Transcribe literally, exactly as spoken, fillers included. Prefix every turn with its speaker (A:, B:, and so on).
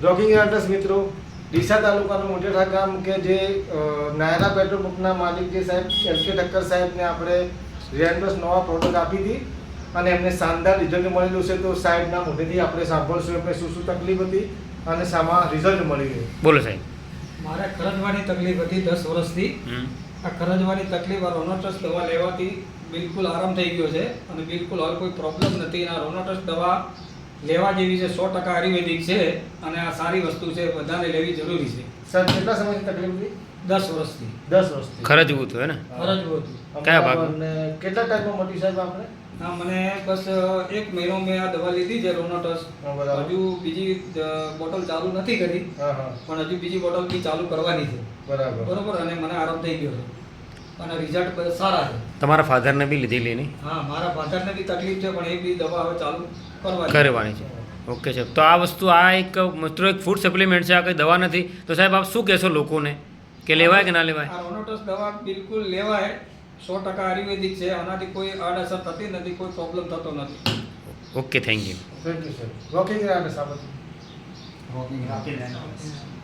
A: Jogging address મિત્રો ડીસા તાલુકાનું મોટેઠા ગામ કે જે નાયરા પેટ્રોલ પંપના માલિક જે સાહેબ એલ કે ઠક્કર સાહેબને આપણે રેન્ડોસ નવા પ્રોડક્ટ આપી હતી અને એમને શાનદાર રિઝલ્ટ મળેલું છે. તો સાહેબના મોઢેથી આપણે સાંભળશું એમને શું શું તકલીફ હતી અને શામાં રિઝલ્ટ મળી ગયું.
B: બોલો સાહેબ.
C: મારે ખરજવાની તકલીફ હતી દસ વર્ષથી. આ ખરજવાની તકલીફ આ રોનોટસ દવા લેવાથી બિલકુલ આરામ થઈ ગયો છે અને બિલકુલ હવે કોઈ પ્રોબ્લેમ નથી. આ રોનોટસ દવા લેવા જેવી છે, સો ટકા આયુર્વેદિક છે અને આ સારી વસ્તુ છે, બધાને લેવી જરૂરી છે.
A: સર કેટલા સમયથી તકલીફ હતી?
C: દસ વર્ષથી.
A: દસ વર્ષથી
B: ખરજવું હતું હે ને?
C: ખરજવું હતું.
B: કયા ભાગમાં?
A: અને કેટલા ટાઈમમાં મળી સાહેબ આપણે?
C: હા, મને બસ એક મહિનો મેં આ દવા લીધી છે રોનોટસ.
A: હા, બરાબર.
C: હજુ બીજી બોટલ ચાલુ નથી કરી,
A: હા હા
C: પણ હજુ બીજી બોટલ બી ચાલુ કરવાની છે.
A: બરાબર
C: બરોબર. અને મને આરામ થઈ ગયો છે અને રિઝલ્ટ બધા સારા છે.
B: તમારા ફાધરને બી લીધેલી નહીં?
C: હા, મારા ફાધરને બી તકલીફ છે પણ એ બી દવા હવે ચાલુ કરવાની
B: કરવાની છે. ઓકે સાહેબ. તો આ વસ્તુ આ એક મિત્રો એક ફૂડ સપ્લિમેન્ટ છે, આ કંઈ દવા નથી. તો સાહેબ આપ શું કહેશો લોકોને કે લેવાય કે ના લેવાય?
C: આ રોનોટસ દવા બિલકુલ લેવાય. સો ટકા આયુર્વેદિક છે. આનાથી કોઈ આડઅસર થતી નથી, કોઈ પ્રોબ્લેમ થતો નથી.
B: Okay, thank you.
A: Thank you sir. Jogging address આપણે
C: રોકી